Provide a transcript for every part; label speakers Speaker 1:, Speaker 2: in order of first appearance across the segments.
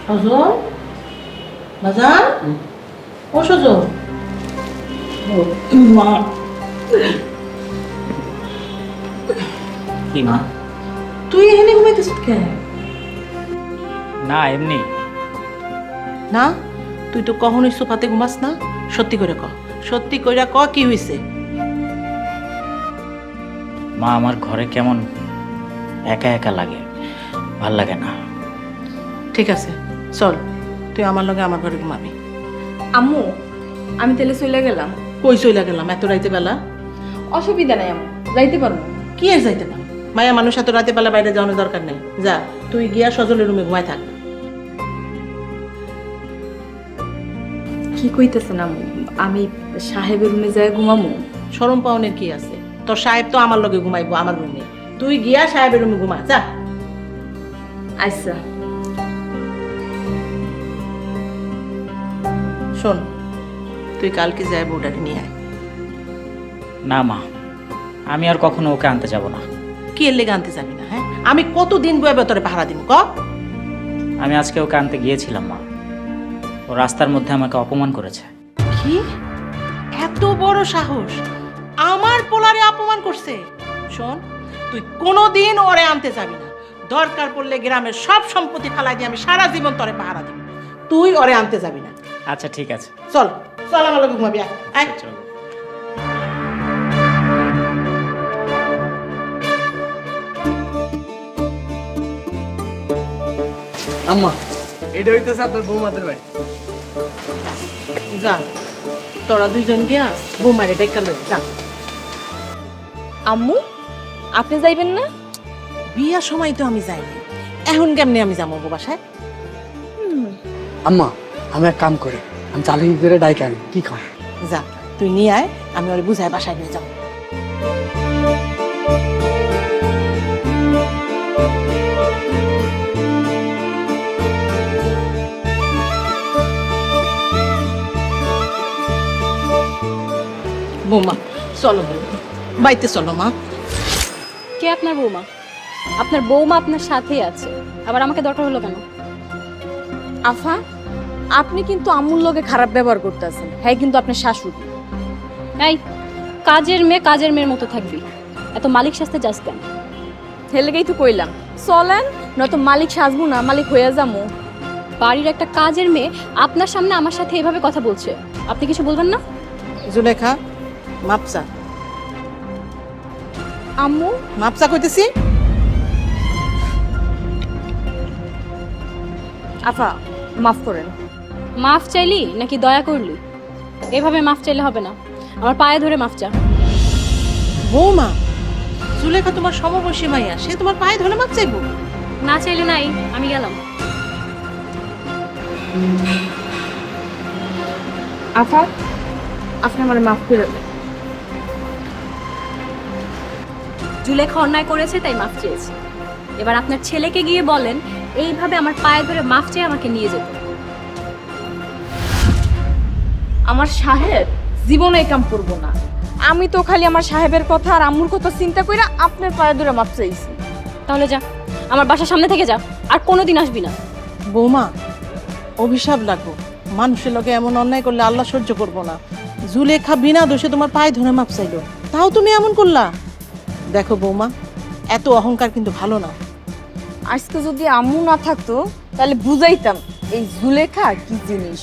Speaker 1: সজল বাজার ও সজল
Speaker 2: মা কি মা?
Speaker 1: তুই এখানে ঘুমাইতেছ কেন?
Speaker 2: না এমনি।
Speaker 1: না তুই তো কখনোই সোফাতে ঘুমাস না। সত্যি করে ক, সত্যি কইরা ক কি হইছে?
Speaker 2: মা আমার ঘরে কেমন একা একা লাগে, ভাল লাগে না।
Speaker 1: ঠিক আছে চল, তুই আমার লগে আমার ঘরে ঘুমাবি।
Speaker 3: আম্মু আমি তাহলে চলে গেলাম।
Speaker 1: কই চইলা গেলাম এত রাইতে বেলা?
Speaker 3: অসুবিধা নাই আম্মু, যাইতে পারবো।
Speaker 1: কি আর যাইতে পার, মায়া মানুষ এত রাতে বেলা বাইরে যাওয়ানোর দরকার নেই। যা তুই গিয়া সজলের রুমে ঘুমায় থাক।
Speaker 3: কি কইতেছেন আম্মু? আমি সাহেবের রুমে যাই ঘুমামু?
Speaker 1: শরম পাওনের কি আছে? তোর সাহেব তো আমার লগে ঘুমাইবো আমার রুমে, তুই গিয়া সাহেবের রুমে ঘুমা যা।
Speaker 3: আচ্ছা।
Speaker 1: শোন, তুই কালকে যাই বউটাকে নিয়ে আয়।
Speaker 2: না মা, আমি আর কখনো ওকে আনতে যাব না।
Speaker 1: কি এর লেগে আনতে যাবি না? হ্যাঁ আমি কতদিন বয়ে তোরে ভাড়া দিব ক?
Speaker 2: আমি আজকে ওকে আনতে গিয়েছিলাম মা, ও রাস্তার মধ্যে আমাকে অপমান করেছে।
Speaker 1: কি এত বড় সাহস, আমার পোলারে অপমান করছে? শোন, তুই কোনোদিন ওরে আনতে যাবি না। দরকার পড়লে গ্রামের সব সম্পত্তি ফালাই দিয়ে আমি সারা জীবন তোরে পাহারা দিব, তুই ওরে আনতে যাবি না।
Speaker 2: আচ্ছা ঠিক আছে।
Speaker 1: চল চল আমার লগে ঘুমাবি আয়, আয়।
Speaker 2: চলো।
Speaker 4: আম্মা এটা হইতেছে আপনার বৌমাদের বাড়ি।
Speaker 1: যা তোরা দুইজন গিয়া বৌমারে ডেকা লই যা।
Speaker 3: আম্মু আপনি যাইবেন না?
Speaker 1: বিয়ার সময় তো আমি যাইনি, এখন কেমনে আমি যাবো বাসায়?
Speaker 4: আম্মা আমি এক কাম করি, আমি চালু করে ডাইকে আনি, কি খাও?
Speaker 1: যা তুই নিয়ে আয়, আমি ওরে বুঝায় বাসায় নিয়ে যাও। বৌমা চলো, বাইতে চলো মা।
Speaker 5: কে আপনার বৌমা? আপনার বৌমা আপনার সাথেই আছে, আবার আমাকে দরকার হলো কেন?
Speaker 3: আফা আপনি কিন্তু আম্মুর লগে খারাপ ব্যবহার করতেছেন। হ্যাঁ কিন্তু আপনার শাশুড়ি।
Speaker 5: এই কাজের মেয়ের মতো থাকবি, এত মালিক সাজতে যাস কেন?
Speaker 3: হেলেগেই তো কইলাম চলেন, নয়তো মালিক সাজবো না, মালিক হইয়া যাবো।
Speaker 5: বাড়ির একটা কাজের মেয়ে আপনার সামনে আমার সাথে এভাবে কথা বলছে, আপনি কিছু বলবেন না?
Speaker 1: জুলেখা মাপসা,
Speaker 3: আম্মু
Speaker 1: মাপসা কইতেছি।
Speaker 3: আফা মাফ করেন।
Speaker 5: মাফ চাইলি নাকি দয়া করলি? এভাবে মাফ চাইলে হবে না, আমার পায়ে ধরে মাফ চা।
Speaker 1: বৌমা, জুলেখা তোমার সমবয়সী মাইয়া, সে তোমার পায়ে ধরে মাপ চাইবো?
Speaker 5: না চাইলে নাই, আমি গেলাম।
Speaker 3: আফা আপনি আমার মাফ করে দেন।
Speaker 5: জুলেখা অন্যায় করেছে তাই মাফ চেয়েছে। এবার আপনার ছেলেকে গিয়ে বলেন এইভাবে আমার পায়ে ধরে মাফ চেয়ে আমাকে নিয়ে যেতে।
Speaker 3: আমার সাহেব জীবনে এই কাম করবো না। আমি তো খালি আমার সাহেবের কথা আর আম্মুর কথা চিন্তা কইরা আপনার পায়ে ধরে মাপ চাইছি।
Speaker 5: তাহলে যা, আমার বাসার সামনে থেকে যা, আর কোনোদিন আসবি না।
Speaker 1: বৌমা অভিশাপ লাগবো, মানুষের লগে এমন অন্যায় করলে আল্লাহ সহ্য করবো না। জুলেখা বিনা দোষে তোমার পায়ে ধরে মাপ চাইলো, তাও তুমি এমন করলা? দেখো বৌমা, এত অহংকার কিন্তু ভালো না।
Speaker 3: আজকে যদি আম্মু না থাকতো তাহলে বুঝাইতাম এই জুলেখা কি জিনিস।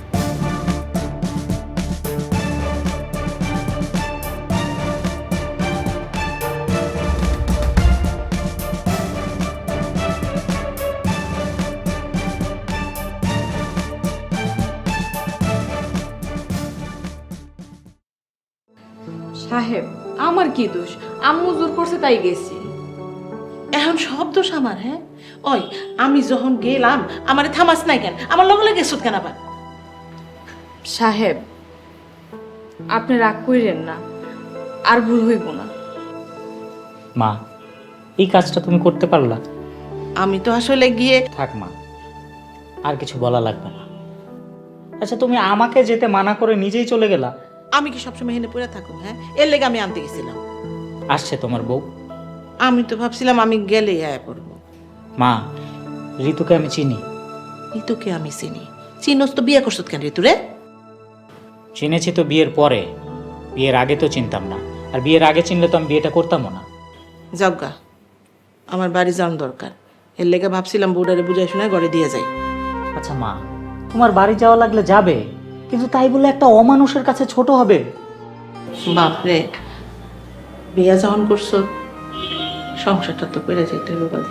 Speaker 3: সাহেব আমার কি দোষ? আম্মু জোর করছে তাই গেছি।
Speaker 1: এখন সব দোষ আমার? হ্যাঁ ওই আমি যখন গেলাম আমারে থামাস নাই কেন? আমার লগে লগে গেছত কেন আবার?
Speaker 3: সাহেব আপনি রাগ কইরেন না, আর ভুল হইব না।
Speaker 2: মা এই কাজটা তুমি করতে পারলা?
Speaker 1: আমি তো আসলে গিয়ে
Speaker 2: থাক মা, আর কিছু বলা লাগবে না। আচ্ছা তুমি আমাকে যেতে মানা করে নিজেই চলে গেলা।
Speaker 1: আমি কি সবসময় হেনে পড়ে থাকুম? হ্যাঁ এর লেগে আমি আনতে গেছিলাম।
Speaker 2: আসছে তোমার বউ।
Speaker 1: আমি তো ভাবছিলাম আমি গেলেই আয়া পড়বো।
Speaker 2: মা ঋতুকে আমি চিনি,
Speaker 1: এই তোকে আমি চিনি, চিনোস তো বিয়ে করছত কেন রে তুরে?
Speaker 2: চিনেছি তো বিয়ের পরে, বিয়ের আগে তো চিনতাম না, আর বিয়ের আগে চিনলে তো আমি বিয়েটা করতামও না।
Speaker 1: জগ্গা, আমার বাড়ি যাওয়ার দরকার, এর লেগে ভাবছিলাম বউডারে বুঝাই শোনায় ঘরে দিয়ে যাই।
Speaker 2: আচ্ছা মা, তোমার বাড়ি যাওয়া লাগলে যাবে, কিন্তু তাই বলে একটা অমানুষের কাছে ছোট হবে?
Speaker 1: বাপরে, বিয়া যখন করছো সংসারটা তো করে যেতে হবে কথা।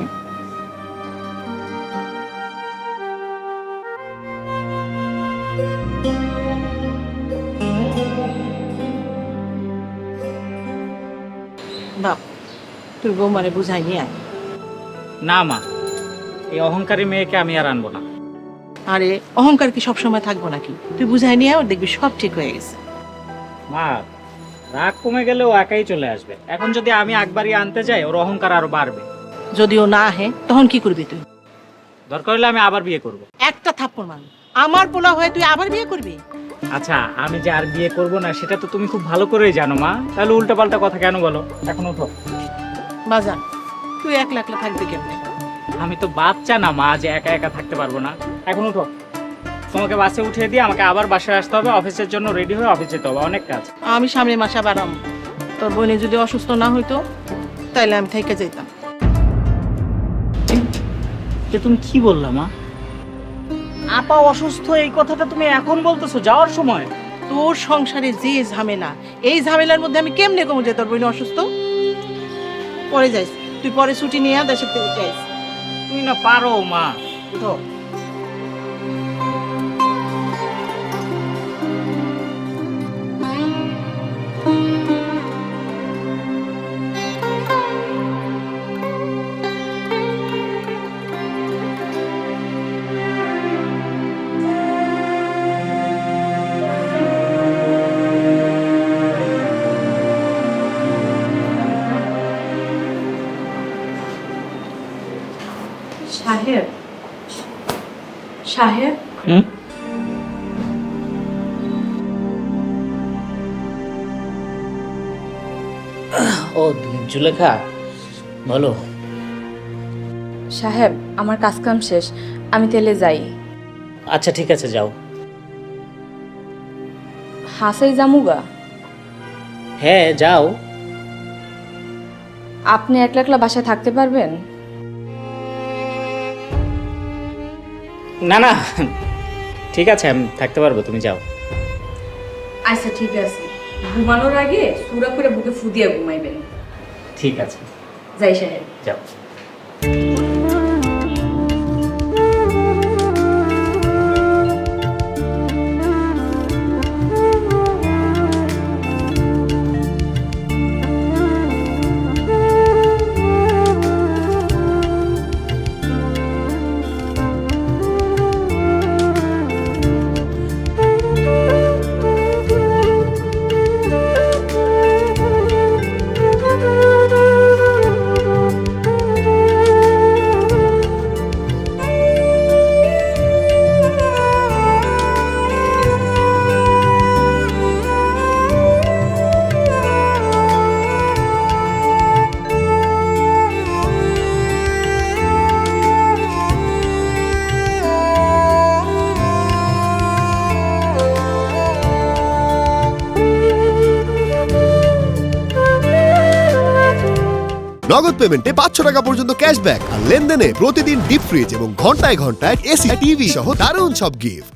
Speaker 1: বাপ, তুই বৌমারে বুঝাই নিয়ে আয়।
Speaker 2: না মা, এই অহংকারী মেয়েকে আমি আর আনবো না।
Speaker 1: আরে অহংকার কি সবসময় থাকবো নাকি? তুই বুঝাই নিয়ে আয়, ওর দেখবি সব ঠিক হয়ে গেছে।
Speaker 2: মা, রাগ কমে গেলে ও একাই চলে আসবে। এখন যদি আমি একবারই আনতে যাই, ওর অহংকার আরো বাড়বে।
Speaker 1: যদিও না আহে তখন কি করবি তুই?
Speaker 2: দরকার হলে আমি আবার বিয়ে করব।
Speaker 1: একটা থাপ্পড় মার, আমার পোলা হয়ে তুই আবার বিয়ে করবি?
Speaker 2: আচ্ছা, আমি যে আর বিয়ে করব না সেটা তো তুমি খুব ভালো করেই জানো মা, তাহলে উল্টাপাল্টা কথা কেন বলো? এখন উঠো।
Speaker 1: বাজান, তুই একলা একলা থাকবি কেমনে?
Speaker 2: আমি তো বাচ্চা না মা, যে একা একা থাকতে পারবো না। এখন উঠো, তোমাকে বাসে উঠিয়ে দিয়ে আমাকে আবার বাসায় আসতে হবে, অফিসের জন্য রেডি হয়ে অফিস যেতে হবে, অনেক কাজ।
Speaker 1: আমি সামনের মাসে আবার আম, তোর বোনে যদি অসুস্থ না হইতো তাইলে আমি থেকে যেতাম।
Speaker 2: যে তুমি কি বললা মা? আপা অসুস্থ, এই কথাটা তুমি এখন বলতেছো যাওয়ার সময়?
Speaker 1: তোর সংসারে যে ঝামেলা, এই ঝামেলার মধ্যে আমি কেমনে কমে যাই? তোর বোনে অসুস্থ, পরে যাইস তুই, পরে ছুটি নিয়ে দেশের থেকে যাইস।
Speaker 2: তুমি না পারো মা, উঠো।
Speaker 3: সাহেব, সাহেব,
Speaker 2: হুম? ও জুলেখা, বলো।
Speaker 3: সাহেব, আমার কাজ কাম শেষ, আমি তেলে যাই।
Speaker 2: আচ্ছা ঠিক আছে, যাও।
Speaker 3: হাসাই জামুগা?
Speaker 2: হ্যাঁ যাও।
Speaker 3: আপনি একলা একলা বাসায় থাকতে পারবেন?
Speaker 2: না না, ঠিক আছে, আমি থাকতে পারবো, তুমি যাও।
Speaker 3: আচ্ছা ঠিক আছে, ঘুমানোর আগে সুরা করে বুকে ফুদিয়ে ঘুমাইবেন।
Speaker 2: ঠিক আছে,
Speaker 3: যাই সাহেব।
Speaker 2: যাও।
Speaker 6: নগদ পেমেন্টে 500 টাকা পর্যন্ত ক্যাশব্যাক আর লেনদেনে প্রতিদিন ডিপ ফ্রিজ এবং ঘন্টায় ঘন্টায় এসি টিভি সহ দারুণ সব গিফট।